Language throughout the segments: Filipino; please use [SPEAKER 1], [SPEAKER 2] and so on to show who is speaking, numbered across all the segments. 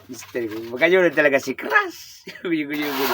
[SPEAKER 1] Mister ko. Magkano talaga si Crush. Guyo.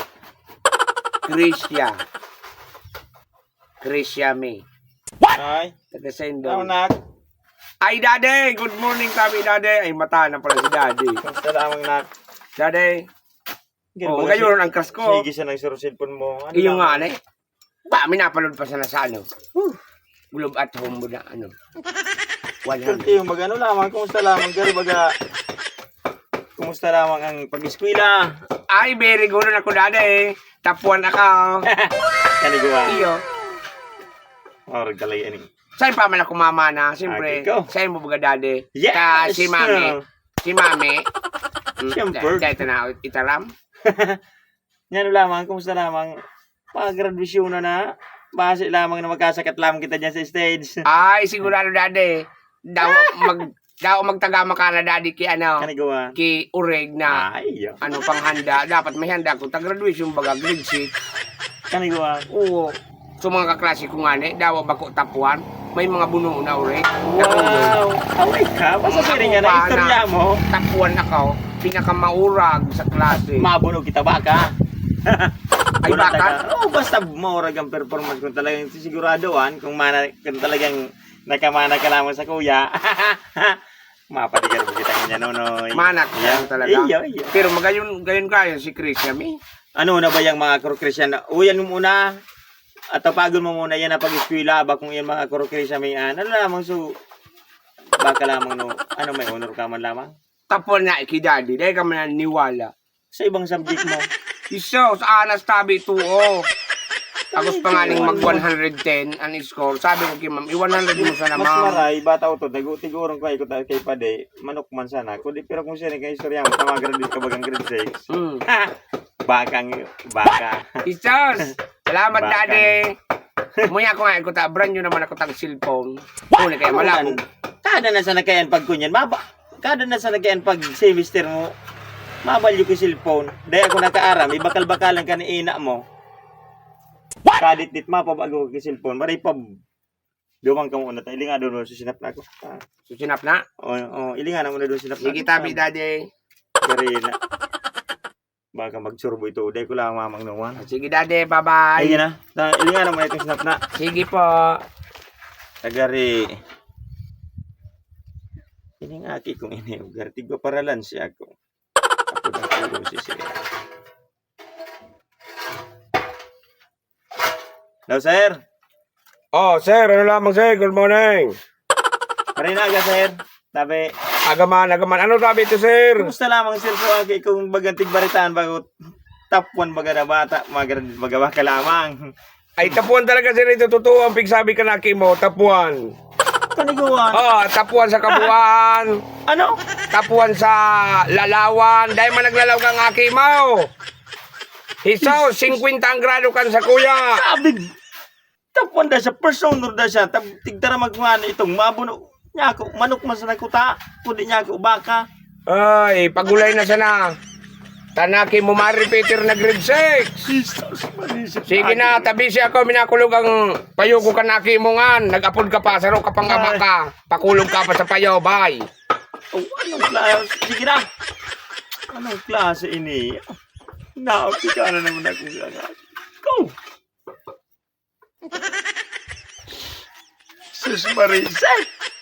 [SPEAKER 1] Krisya May.
[SPEAKER 2] Ay,
[SPEAKER 1] Taga
[SPEAKER 2] ano
[SPEAKER 1] Sendong.
[SPEAKER 2] nak?
[SPEAKER 1] Ay, Daddy! Good morning kami, Daddy. Ay, mata na pala si Daddy.
[SPEAKER 2] Kamusta lamang nak?
[SPEAKER 1] Daddy.
[SPEAKER 2] Ganun
[SPEAKER 1] Oh,
[SPEAKER 2] ba
[SPEAKER 1] magkano ang crush ko.
[SPEAKER 2] Sige siya ng siro cellphone mo. Ano
[SPEAKER 1] Iyo nga,
[SPEAKER 2] lamang?
[SPEAKER 1] ane. Ba, minapanood pa sana sa ano. Globe at home mo na, ano. 100.
[SPEAKER 2] Yung magano lamang, kumusta lamang gari baga? Kumusta lamang ang pag-eskwela?
[SPEAKER 1] Ay, very good na ako, Daddy. Tapuan ako.
[SPEAKER 2] Kaniguwa.
[SPEAKER 1] Iyo.
[SPEAKER 2] Or galay ani.
[SPEAKER 1] Saan pa man ako mama na? Siyempre,
[SPEAKER 2] Okay, go.
[SPEAKER 1] sa'yo mo baga, Daddy.
[SPEAKER 2] Yes!
[SPEAKER 1] Ka, si Mami. Si Mami.
[SPEAKER 2] Siyempre.
[SPEAKER 1] Dahil na itaram.
[SPEAKER 2] Yan lamang, kumusta lamang? Pag-graduation na. Base lamang na magkasakat lamang kita dyan sa stage.
[SPEAKER 1] Ay, sigurado, Daddy. Daw magtagama ka na, Daddy, ki ano.
[SPEAKER 2] Kaniguwa.
[SPEAKER 1] Ki Ureg na
[SPEAKER 2] Ay,
[SPEAKER 1] ano panghanda. Dapat may handa ko. Tag-graduation baga, grade 6.
[SPEAKER 2] kaniguwa.
[SPEAKER 1] Oo. So mga kaklase ko nga ni, dawa ba ko tapuan? May mga buno na uri.
[SPEAKER 2] Wow! Away ka? Basta siri nga na istorya mo.
[SPEAKER 1] Tapuan ako. Pinakamaurag sa klase.
[SPEAKER 2] Mabunog kita ba ka?
[SPEAKER 1] Ay, baka?
[SPEAKER 2] Oo, basta maurag ang performance kung talagang siguradoan, kung talagang nakamana ka lamang sa kuya. Mapadigar mo kita nga nonoy.
[SPEAKER 1] Manat
[SPEAKER 2] Yeah.
[SPEAKER 1] talaga.
[SPEAKER 2] Iyo.
[SPEAKER 1] Pero magayon kayo si Chris Yami.
[SPEAKER 2] Ano na ba yung mga Christian? Uyan mo muna. At tapagon mo muna yan na pag-eskwela ba kung yan mga Christian may ano lamang so baka lamang no ano may honor ka man lamang
[SPEAKER 1] Tapuan na ikidadi. Dahil ka man niwala.
[SPEAKER 2] sa ibang subject mo.
[SPEAKER 1] Iso, sa anas tabi 2-0. Tapos pangaling mag 110 ang score. Sabi ko kay ma'am, i-100 mo sana
[SPEAKER 2] Mas
[SPEAKER 1] ma'am.
[SPEAKER 2] maray bata ko to tigurong ko ikot kay pade manok man sana kundi pero kung siya kay istorya mo tama-graduate ka bagang grade 6. Baka.
[SPEAKER 1] Isos! Salamat,
[SPEAKER 2] Baka.
[SPEAKER 1] Daddy! Muya ko nga, ikuta, brand new naman ako tag cellphone. Uli kaya malabo.
[SPEAKER 2] Kada na sa nakayan pag kunyan kada na sa nakayan pag semester mo mabalyo ko cellphone dahil ako nakaaram ibakal-bakalan ka ni ina mo kadit-dit mapabago ko cellphone maray pa dumang ka muna tayo ilinga doon sa sinap na ako
[SPEAKER 1] Susinap na?
[SPEAKER 2] ilinga na muna doon sinap na
[SPEAKER 1] Sige, tabi, Daddy.
[SPEAKER 2] Dari na baka magsurbo ito dahil ko lang mamang naman
[SPEAKER 1] Sige, Daddy. Bye-bye.
[SPEAKER 2] ayun na ilinga na muna itong sinap na
[SPEAKER 1] Sige po.
[SPEAKER 2] tagari ini nga aki kung ini ugar tigwa paralan siya ako na tulong si siya. Hello, sir.
[SPEAKER 1] Oh, sir. Ano lamang, sir? Good morning.
[SPEAKER 2] Marinaga, sir. Sabi,
[SPEAKER 1] Agaman. Ano sabi ito, sir?
[SPEAKER 2] kumusta lamang, sir, po aki kung bagantig baritaan bago top 1 baga na bata, magawa ka lamang.
[SPEAKER 1] Ay, tapuan talaga, sir. Ito totoo. Ang pigsabi ka na, Kimo. Tapuan.
[SPEAKER 2] Kaniguan.
[SPEAKER 1] Oh, tapuan sa kabuuan.
[SPEAKER 2] Ano?
[SPEAKER 1] Tapuan sa lalawan. Dahil man naglalaw kang aki mo. Hisaw, 50 ang grado kan sa kuya.
[SPEAKER 2] Sabi, top 1 da siya, first honor da siya, tigtara magmano itong mabuno. Niya ako, manok man sa nakuta, kundi niya ako, baka.
[SPEAKER 1] Ay, pagulay na sana. Tanaki mo ma-repeater na grade 6. Sige na, tabi siya ako, minakulog ang payo ko kanaki mo nga. Nag-apod ka pa, saro ka pang ama ka. Pakulog ka pa sa payo, bye.
[SPEAKER 2] Oh, anong klase? Sige na. Anong klase ini? Naupi ka na naman ako sa Go! Sus Marisa!